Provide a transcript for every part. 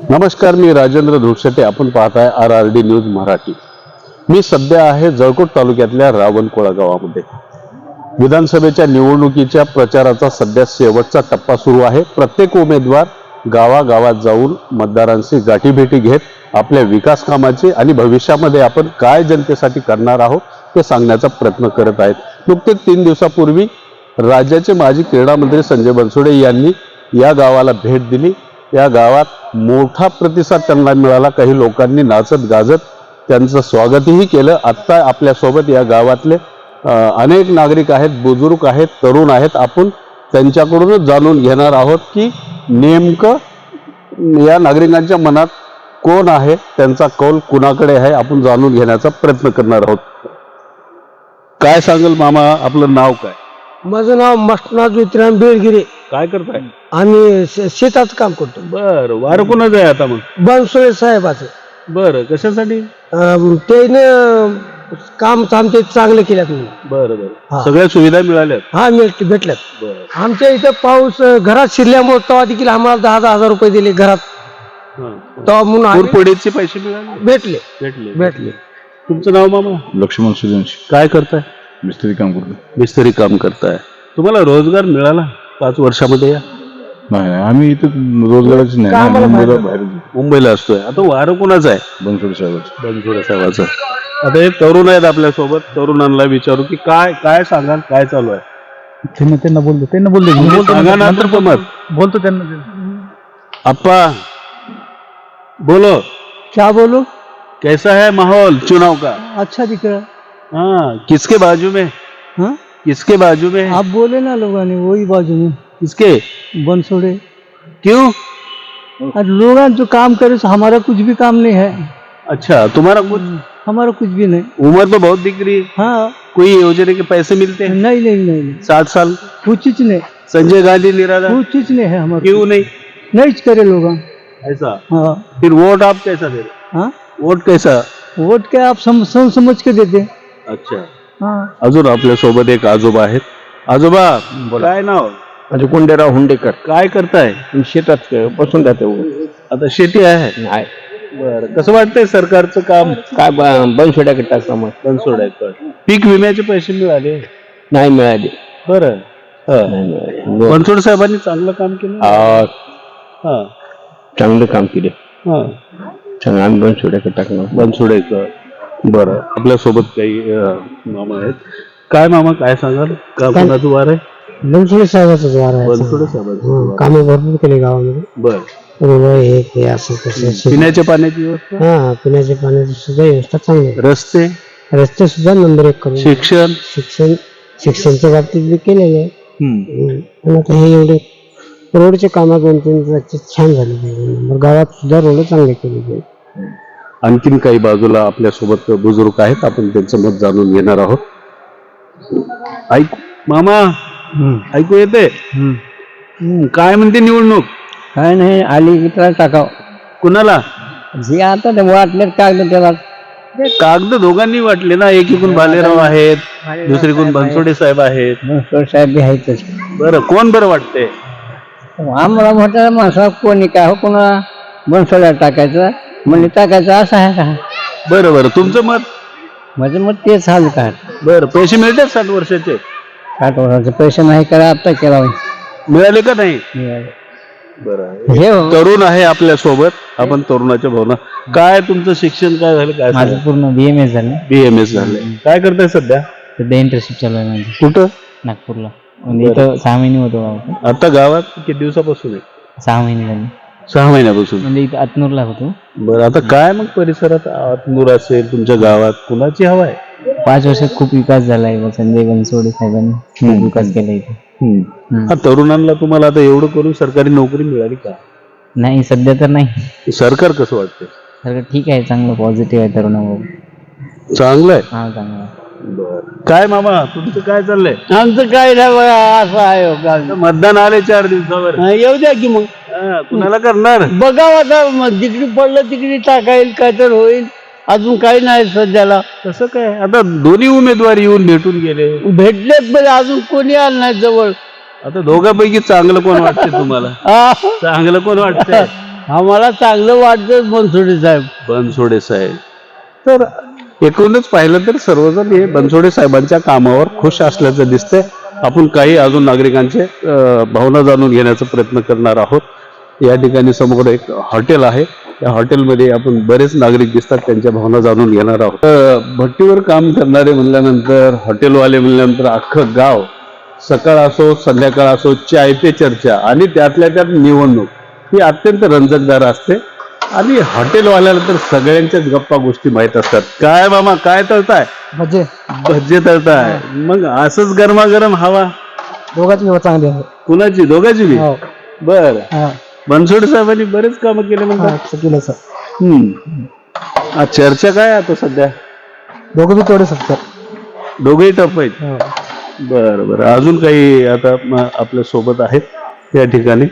नमस्कार, मी राजेंद्र धुळशेटे. आपण पाहताय RRD न्यूज मराठी. मी सध्या आहे जळकोट तालुक्यातल्या रावणकोळा गावामध्ये. विधानसभेच्या निवडणुकीच्या प्रचाराचा सध्या शेवटचा टप्पा सुरू आहे. प्रत्येक उमेदवार गावागावात जाऊन मतदारांशी गाठीभेटी घेत आपल्या विकास कामाची आणि भविष्यामध्ये आपण काय जनतेसाठी करणार आहोत ते सांगण्याचा प्रयत्न करत आहेत. नुकतेच 3 दिवसापूर्वी राज्याचे माजी क्रीडा मंत्री संजय बनसोडे यांनी या गावाला भेट दिली. या गावात मोठा प्रतिसाद त्यांना मिळाला. काही लोकांनी नाचत गाजत त्यांचं स्वागतही केलं. आत्ता आपल्यासोबत या गावातले अनेक नागरिक आहेत, बुजुर्ग आहेत, तरुण आहेत. आपण त्यांच्याकडूनच जाणून घेणार आहोत की नेमकं या नागरिकांच्या मनात कोण आहे, त्यांचा कौल कुणाकडे आहे, आपण जाणून घेण्याचा प्रयत्न करणार आहोत. काय सांगाल मामा, आपलं नाव काय? माझं नाव मस्तना ज्योतिराम बेळगिरे. काय करताय? आम्ही शेताचं काम करतो. बर, वारं कोणाचं आहे आता? मग बनसोडे साहेबाचं. बर, कशासाठी? त्याने काम आमचे चांगले केल्यात. बरं बरं, सगळ्या सुविधा मिळाल्यात? हा, भेटल्यात. बरं. आमच्या इथं पाऊस घरात शिरल्यामुळे तेव्हा देखील आम्हाला 10,000 रुपये दिले घरात. तेव्हा म्हणून पूरपडीचे पैसे मिळाले? भेटले भेटले भेटले. तुमचं नाव मामा? लक्ष्मण सूर्यवंशी. काय करताय? मिस्त्री काम करतो. मिस्त्री काम करताय. तुम्हाला रोजगार मिळाला 5 वर्षामध्ये? नाही, आम्ही इथं रोजगाराच नाही, मुंबईला बाहेर मुंबईला असतोय. आता वारं कोणाचं आहे? बनसोडे साहेबाचं. बनसोडे साहेबाचं. आता हे तरुण आहेत आपल्यासोबत. तरुणांना विचारू की काय काय सांगाल, काय चालू आहे? त्यांना बोलतो सांगा ना तर मत बोलतो त्यांना. अप्पा बोलो, क्या बोलो? कैसा है माहौल चुनाव का? अच्छा दिख रहा. हाँ, किसके बाजू में? हाँ, किसके बाजू में? आप बोले ना लोगों ने वही बाजू में किसके? बनसोड़े. क्यों? लोग जो काम करे हमारा कुछ भी काम नहीं है. अच्छा, तुम्हारा कुछ? हमारा कुछ भी नहीं. उम्र तो बहुत दिख रही है. हाँ, कोई योजना के पैसे मिलते हैं? नहीं नहीं नहीं नहीं, 60 साल कुछ चीज नहीं, संजय गांधी निराधार? कुछ चीज नहीं है हमारे. क्यों नहीं? नहीं करे लोग. ऐसा? हाँ फिर वोट आप कैसा दे रहे? हाँ, वोट कैसा? वोट क्या आप समझ के देते. अच्छा. हाँ, अजून आपल्या सोबत एक आजोबा आहेत. आजोबा, काय नाव? म्हणजे कोंडेराव हुंडेकर. काय करताय? शेतात बसून जाते. आता शेती आहे? नाही, बरं, कसं वाटतंय सरकारचं काम? काय बनसोड्याकडे टाकता मग. बनसोडायचं. पीक विम्याचे पैसे मिळाले? नाही मिळाले. बरं. नाही मिळाले. बनसोड साहेबांनी चांगलं काम केलं. हा, चांगलं काम केले. हा. चांगलं आम्ही बनसोड्याकडे टाकणार. बनसोडायचं. बरं, आपल्यासोबत काही मामा आहेत. काय मामा, काय सांगाल? का कोणाचं वार आहे? बनसोडे साहेबाचं द्वार आहे. बनसोडे साहेबांचं. कामे भरपूर केले गावामध्ये. बरं. हे असं तसं. पिण्याच्या पाण्याची व्यवस्था? हा, पिण्याच्या पाण्याची सुद्धा व्यवस्था चांगली आहे. रस्ते? रस्ते सुद्धा नंबर 1 करून. शिक्षणच्या बाबतीत बी केलेले आहे. पण आता हे एवढे रोडचे कामं 2-3 छान झाले. गावात सुद्धा रोड चांगले केले. आणखीन काही बाजूला आपल्यासोबत बुजुर्ग आहेत, आपण त्यांचं मत जाणून घेणार आहोत. ऐक मामा, ऐकू येते? काय म्हणते निवडणूक? काय नाही, आली मित्राला टाकाव. कुणाला? जे आता ते वाटले कागद त्याला. कागद दोघांनी वाटले ना. एकीकडून भालेराव आहेत, दुसरीकडून बनसोडे साहेब आहेत. बनसोडे साहेब बी आहेतच. बरं, कोण बरं वाटतंय? आम्हाला म्हटलं माणसा कोणी काय हो, कोणाला बनसोड्याला टाकायचं म्हणजे टाकायचं असं आहे का? बरं बरं, तुमचं मत? माझं मत तेच हाल काय. बरं, पैसे मिळतात 60 वर्षाचे? 60 वर्षाचे पैसे नाही करा, आता केला मिळाले का नाही? बरं. हे तरुण आहे आपल्या सोबत, आपण तरुणाच्या भावना. काय तुमचं शिक्षण काय झालं? काय माझं पूर्ण BMS झालं. BMS झालंय. काय करताय सध्या? सध्या इंटर्नशिप चालू आहे माझी. कुठं? नागपूरला. म्हणजे इथं 6 महिने होतो गावात. आता गावात किती दिवसापासून आहे? 6 महिने झाले. 6 महिन्यापासून. म्हणजे इथं अतनूरला होतो. बरं, आता काय मग परिसरात आतनूर असेल, तुमच्या गावात कुणाची हवा आहे? 5 वर्षात खूप विकास झाला आहे. संजय बनसोडे साहेबांनी खूप विकास केला इथे. हा, तरुणांना तुम्हाला आता एवढं करून सरकारी नोकरी मिळाली का? नाही, सध्या तर नाही. सरकार कसं वाटतंय? सरकार ठीक आहे, चांगलं पॉझिटिव्ह आहे तरुणावर. चांगलं आहे. हा, चांगलं. काय मामा, तुमचं काय चाललंय? आमचं काय नाही बघा, असं आहे. मतदान आले 4 दिवसावर. येऊ द्या की मग. कुणाला करणार? बघावं आता, जिकडे पडलं तिकडे टाकाईल, काय तर होईल. अजून काही नाही सध्याला. कसं काय? आता दोन्ही उमेदवार येऊन भेटून गेले. भेटलेत पण अजून कोणी आलं नाही जवळ. आता दोघांपैकी चांगलं कोण वाटतंय तुम्हाला? चांगलं कोण वाटतंय? आम्हाला चांगलं वाटतं बनसोडे साहेब. बनसोडे साहेब. तर एकूणच पाहिलं तर सर्वजण हे बनसोडे साहेबांच्या कामावर खुश असल्याचं दिसतंय. आपण काही अजून नागरिकांचे भावना जाणून घेण्याचा प्रयत्न करणार आहोत. या ठिकाणी समोर एक हॉटेल आहे. या हॉटेलमध्ये आपण बरेच नागरिक दिसतात, त्यांच्या भावना जाणून घेणार आहोत. भट्टीवर काम करणारे म्हणल्यानंतर, हॉटेलवाले म्हणल्यानंतर अख्खं गाव सकाळ असो संध्याकाळ असो चाय पे चर्चा आणि त्यातल्या त्यात निवडणूक ही अत्यंत रंजकदार असते. आणि हॉटेलवाल्याला तर सगळ्यांच्याच गप्पा गोष्टी माहीत असतात. काय मामा काय तळताय? म्हणजे भज्जे तळताय. मग असंच गरमागरम हवा दोघांची व्यवस्था चांगली आहे. कुणाची? दोघांची बी. हो. बर. हा. बनसोडे साहेबांनी बरेच कामं केले म्हणतात. केलं सर. चर्चा काय आता सध्या? दोघं बी तेवढे सर. दोघेही टप आहेत. बरं बरं. अजून काही आता आपल्या सोबत आहेत या ठिकाणी.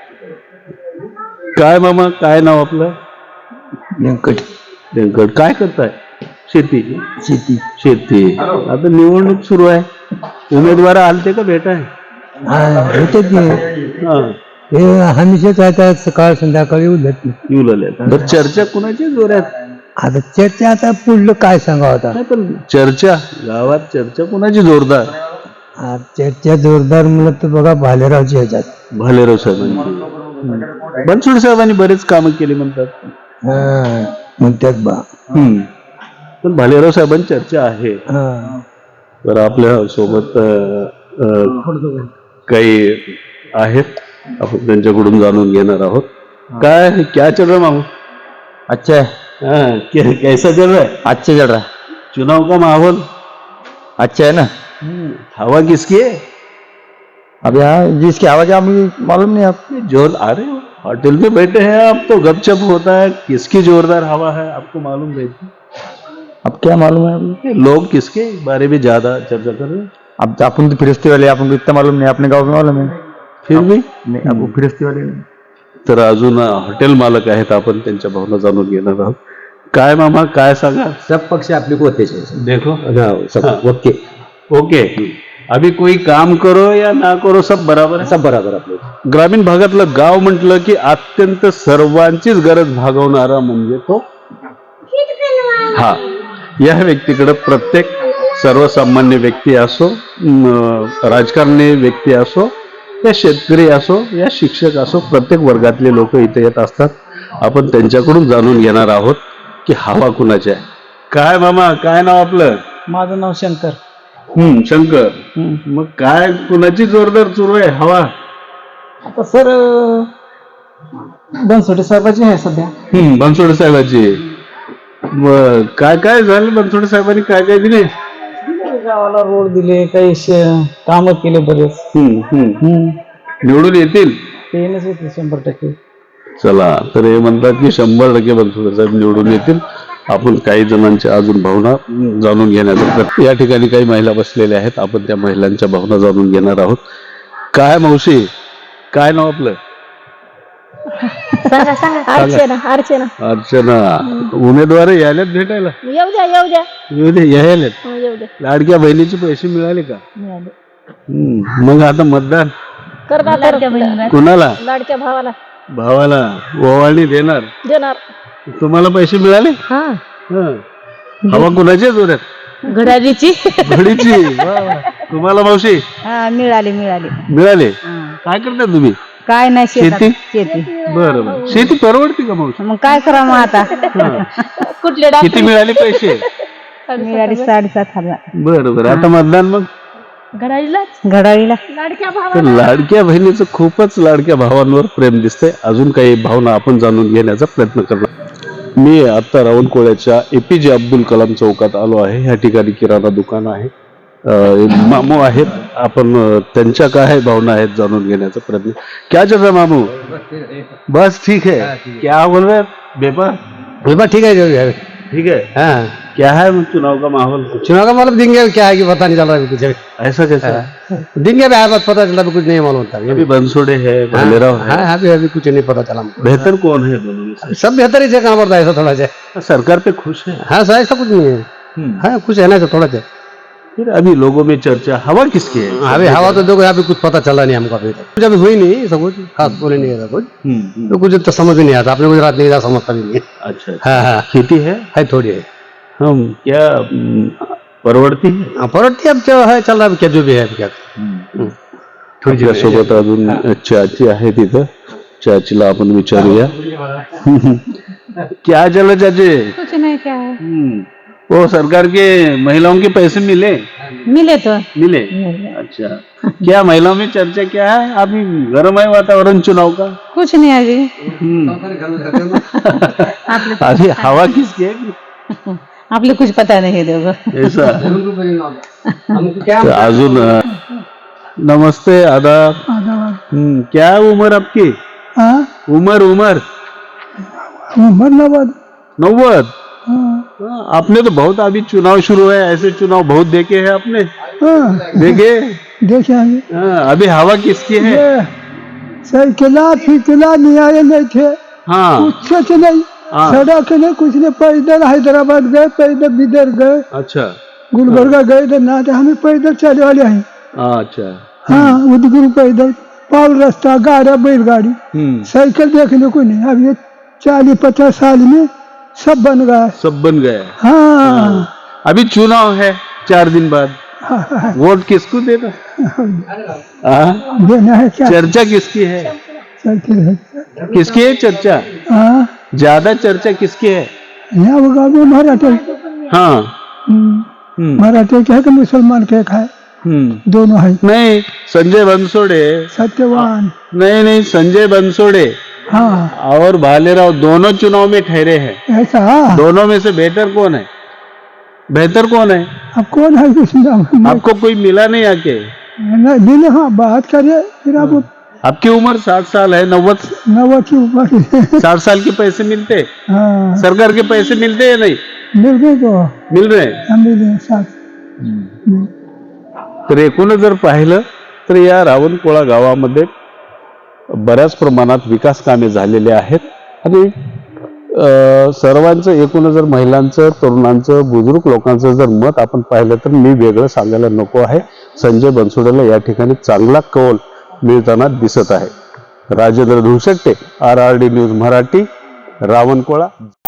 काय मामा काय नाव आपलं? व्यंकट. व्यंकट. काय करताय? शेती. शेती. शेती. आता निवडणूक सुरू आहे. उमेदवार आलते का भेटाय? होते की हा. हे हमेशाच आहेत, सकाळ संध्याकाळी उलट येऊ लागले. तर चर्चा कुणाची जोरात? आता चर्चा आता पुढलं काय सांगावं आता. नाही पण चर्चा गावात चर्चा कुणाची जोरदार? चर्चा जोरदार म्हणलं तर बघा भालेरावची ह्याच्यात. भालेराव साहेबांची. बनसोडे साहेबांनी बरेच कामं केली म्हणतात. म्हणतात बा. पण भालेराव साहेबांची चर्चा आहे. तर आपल्या सोबत काही आहेत, आपण त्यांच्याकडून जाणून घेणार आहोत. काय क्या चल रहा मामू? अच्छा है. हाँ, कैसा चल रहा है? अच्छा चल रहा है. चुनाव का माहौल अच्छा है ना. हवा किसकी है? अब यहाँ जिसकी आवाज है हमें मालूम नहीं. आप जोर अरे होटल में बैठे हैं आप तो गपशप होता है. किसकी जोरदार हवा है आपको मालूम नहीं? अब क्या मालूम है आपको? लोग किसके बारे में ज्यादा चर्चा कर रहे हैं? अब अपन तो फिरस्ती वाले, अपन को इतना मालूम नहीं. अपने गाँव में मालूम है फिर भी नहीं. अब वो फिरस्ती वाले नहीं. तर अजून हॉटेल मालक आहेत, आपण त्यांच्या भावना जाणून घेणार आहोत. काय मामा काय सांगा? सब पक्ष आपले को होते देखो सब ओके. ओके. अभी कोई काम करो या ना करो सब बराबर आहे. सब बराबर आपले. ग्रामीण भागातलं गाव म्हटलं की अत्यंत सर्वांचीच गरज भागवणारा म्हणजे तो हा. या व्यक्तीकडे प्रत्येक सर्वसामान्य व्यक्ती असो, राजकारणी व्यक्ती असो, या शेतकरी असो, या शिक्षक असो, प्रत्येक वर्गातले लोक इथे येत असतात. आपण त्यांच्याकडून जाणून घेणार आहोत की हवा कुणाची आहे. काय मामा काय नाव आपलं? माझं नाव शंकर. शंकर. मग काय कुणाची जोरदार सुरू आहे हवा? आता सर बनसोडे साहेबाची आहे सध्या. बनसोडे साहेबाची. मग काय काय झालं? बनसोडे साहेबांनी काय काय दिले? गावाला रोड दिले, काही काम केले बरेच. निवडून येतील? ते येणंच येते 100%. चला तर हे म्हणतात की 100% बनसोडे साहेब निवडून येतील. आपण काही जणांच्या अजून भावना जाणून घेण्याचा प्रयत्न. या ठिकाणी काही महिला बसलेल्या आहेत, आपण त्या महिलांच्या भावना जाणून घेणार आहोत. काय मावशी काय नाव आपलं? सांगा सांगा. अर्चना. अर्चना. अर्चना. उमेदवार यायलेत भेटायला? येऊ द्या येऊ द्या येऊ दे. यायलेत. येऊ द्या. लाडक्या बहिणीचे पैसे मिळाले का? मिळाले. मग आता मतदान करणार लाडक्या बहिणीला, कुणाला? लाडक्या भावाला भावाला ओवाळणी देणार. देणार. तुम्हाला पैसे मिळाले? हा. हवा कुणाच्या जोरात? घड्याळीची. घडीची. वा वा. तुम्हाला मावशी हा मिळाले मिळाले. मिळाले? काय करता तुम्ही? काय नाही शेती? शेती. बरं बरं. शेती परवडते का मावशी? मग काय करा मग आता. कुठले किती मिळाले पैसे? मिळाले 7,500. बरं बरं. आता मतदान मग घड्याळीला लाडक्या तर भावाला. लाडक्या बहिणीचं खूपच लाडक्या भावांवर प्रेम दिसतंय. अजून काही भावना आपण जाणून घेण्याचा प्रयत्न करणार. मी आता रावणकोळ्याच्या APJ अब्दुल कलाम चौकात आलो आहे. ह्या ठिकाणी किराणा दुकान आहे. मामू आहेत, आपण त्यांच्या काय भावना आहेत जाणून घेण्याचा प्रयत्न. क्या चल रहा मामू? बस ठीक है. क्या बोल रहे व्यापार? ठीक है. ठीक है. हाँ. क्या है चुनाव का माहौल? चुनाव का मतलब दिन गया क्या है कि पता नहीं चल रहा है कुछ. ऐसा कैसा? दिन गया है बस पता चला कुछ नहीं मालूम होता. अभी बनसोड़े है, भालेराव है. हाँ अभी कुछ नहीं पता चला. बेहतर कौन है दोनों में से? सब बेहतर ही से काम करता है ऐसा थोड़ा सा. सरकार पे खुश है? हाँ सर ऐसा कुछ नहीं है. हाँ कुछ है ना ऐसा थोड़ा सा. फिर अभी लोगों में चर्चा हवा किसकी है? अभी हवा तो देखो यहाँ पे कुछ पता चला नहीं हमको अभी तक, कुछ अभी हुई नहीं सब कुछ खास बोले नहीं है कुछ, तो कुछ तो समझ ही नहीं आता, अपने गुजरात नहीं जा समझता भी नहीं है। अच्छा हाँ हाँ खेती है थोड़ी है। हम क्या परवडती है? हाँ परवडती अब जो है चल रहा है क्या जो भी है अभी क्या थोड़ी आपल्या सोबत अजून चाची आहे तिथं, चाचीला आपण विचारूया. क्या चला चाची? कुछ नहीं, क्या है? वो सरकार के महिलाओं के पैसे मिले? मिले तो मिले. अच्छा, क्या महिलाओं में चर्चा क्या है? अभी गर्म है वातावरण चुनाव का. कुछ नहीं अभी. अभी हवा किसकी है? आपले कुछ पता नहीं देखो. ऐसा. तो अजून नमस्ते, आदाब. क्या उम्र आपकी? उम्र 90. आपने तो बहुत अभी चुनाव शुरू है, ऐसे चुनाव बहुत देखे हैं आपने. देखे. हाँ, अभी हवा किसकी है? साइकिला फिकिला नहीं आए नहीं थे, हाँ. कुछ नहीं, हाँ. सड़क नहीं कुछ नहीं, पैदल हैदराबाद गए, पैदल बिदर गए, अच्छा. गुलबर्गा गए तो ना, हमें पैदल चले वाले हैं. अच्छा. हाँ उदगुरु पैदल, पाल रास्ता, गाड़ा बैलगाड़ी, साइकिल देखने को नहीं. अब ये 40-50 साल में सब बन गया. सब बन गया. हाँ अभी चुनाव है 4 दिन बाद. वोट किसको देना? हाँ? देना है क्या? चर्चा किसकी है? साइकिल है. किसकी है चर्चा? हाँ ज्यादा चर्चा किसकी है? यहाँ वो गाँव में मराठे, हाँ. मराठे के है कि मुसलमान के है, दोनों है. नहीं, संजय बनसोड़े. सत्यवान. नहीं, संजय बनसोड़े हाँ और भालेराव दोनों चुनाव में ठहरे हैं. ऐसा. दोनों में से बेहतर कौन है? बेहतर कौन है? अब कौन है उसमें? आपको कोई मिला नहीं आके? नहीं. हाँ बात करिए फिर. आप आपकी उम्र 60 साल है. 90 की ऊपर. 60 साल के पैसे मिलते? हाँ सरकार के पैसे मिलते या नहीं? मिल गए तो मिल रहे. मिले साथ. तर एकूणच जर पाहिलं तर या रावणकोळा गावामध्ये बऱ्याच प्रमाणात विकास कामे झालेले आहेत. आणि सर्वांचं एकूण जर महिलांचं, तरुणांचं, बुजुर्ग लोकांचं जर मत आपण पाहिलं तर मी वेगळं सांगायला नको आहे. संजय बनसोडेला या ठिकाणी चांगला कौल मिळताना दिसत आहे. Rajendra Dhulshette, RRD news Marathi, रावणकोळा.